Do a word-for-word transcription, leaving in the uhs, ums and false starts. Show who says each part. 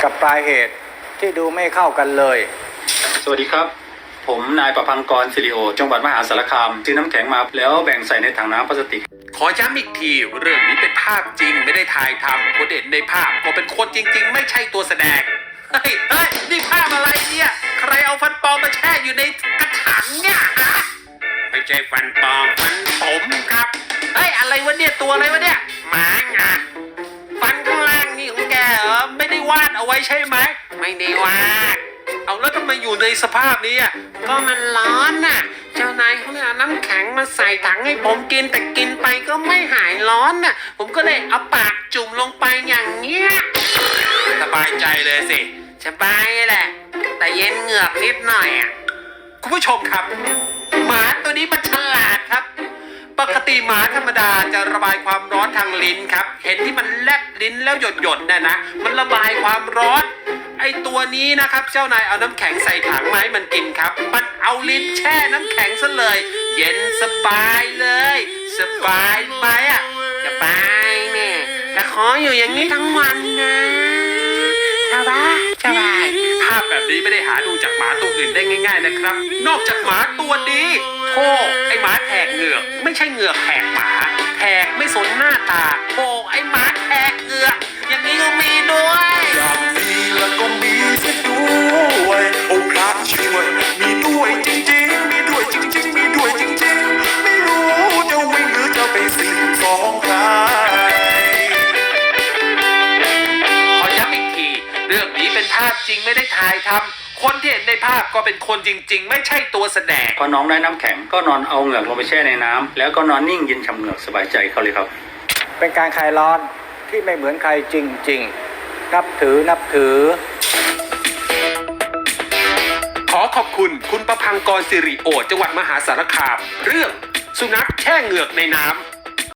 Speaker 1: กับปลายเหตุที่ดูไม่เข้ากันเลย
Speaker 2: สวัสดีครับผมนายประพังกรศิริโอจังหวัดมหาสารคามซื้อน้ำแข็งมาแล้วแบ่งใส่ในถังน้ำพลาสติก
Speaker 3: ขอย้ำอีกทีเรื่องนี้เป็นภาพจริงไม่ได้ถ่ายทำคนเด่นในภาพก็เป็นคนจริงๆไม่ใช่ตัวแสดงเฮ้ยเฮ้ยนี่ภาพอะไรเนี่ยใครเอาฟันปลอมมาแช่อยู่ในกระถางเนี่ยฮะไม่ใช่ฟันปลอมฟันผมครับเฮ้ยอะไรวะเนี่ยตัวอะไรวะเนี่ยหมาไงฟันข้างล่างนี่ของแกเหรอไม่ได้วาดเอาไว้ใช่ไหมไม่ได้วาดเอาแล้วทำไมอยู่ในสภาพนี้อ่ะก็มันร้อนน่ะเจ้านายเขาเลยเอาน้ำแข็งมาใส่ถังให้ผมกินแต่กินไปก็ไม่หายร้อนน่ะผมก็เลยเอาปากจุ่มลงไปอย่างเงี้ยสบายใจเลยสิสบายแหละแต่เย็นเหงือกนิดหน่อยอ่ะคุณผู้ชมครับหมาตัวนี้มันฉลาดครับปกติหมาธรรมดาจะระบายความร้อนทางลิ้นครับเห็นที่มันแลบลิ้นแล้วหยดหยดน่ะนะมันระบายความร้อนไอตัวนี้นะครับเจ้านายเอาน้ำแข็งใส่ถังมาให้มันกินครับมันเอาลิ้นแช่น้ำแข็งซะเลยเย็นสบายเลยสบายไหมอ่ะสบายแม่แต่ขออยู่อย่างนี้ทั้งวันนะสบายสบายภาพแบบนี้ไม่ได้หาดูจากหมาตัวอื่นได้ง่ายๆนะครับนอกจากหมาตัวนี้โธ่ไอหมาแหกเหงือกไม่ใช่เหงือกแหกหมาแหกไม่สนหน้าตาโธ่ไอหมาแหกเหงือกอย่างนี้ก็มีด้วย
Speaker 4: อย่างมีแล้วก็มีเสียด้วยโอ้พระช่วยมีด้วยจริงๆมีด้วยจริงๆมีด้วยจริงๆไม่รู้จะวิ่งหรือจะไปสิ่งฟ้องใคร
Speaker 3: ขอย้ำอีกทีเรื่องนี้เป็นภาพจริงไม่ได้ถ่ายทำคนที่เห็นในภาพก็เป็นคนจริงๆไม่ใช่ตัวแสดง
Speaker 2: พอน้องได้น้ำแข็งก็นอนเอาเหงือกลงไปแช่ในน้ำแล้วก็นอนนิ่งเย็นฉ่ำเหงือกสบายใจเขาเลยครับ
Speaker 1: เป็นการคลายร้อนที่ไม่เหมือนใครจริงๆนับถือนับถือ
Speaker 3: ขอขอบคุณคุณประพังกรสิริโอจังหวัดมหาสารคามเรื่องสุนัขแช่เหงือกในน้ำ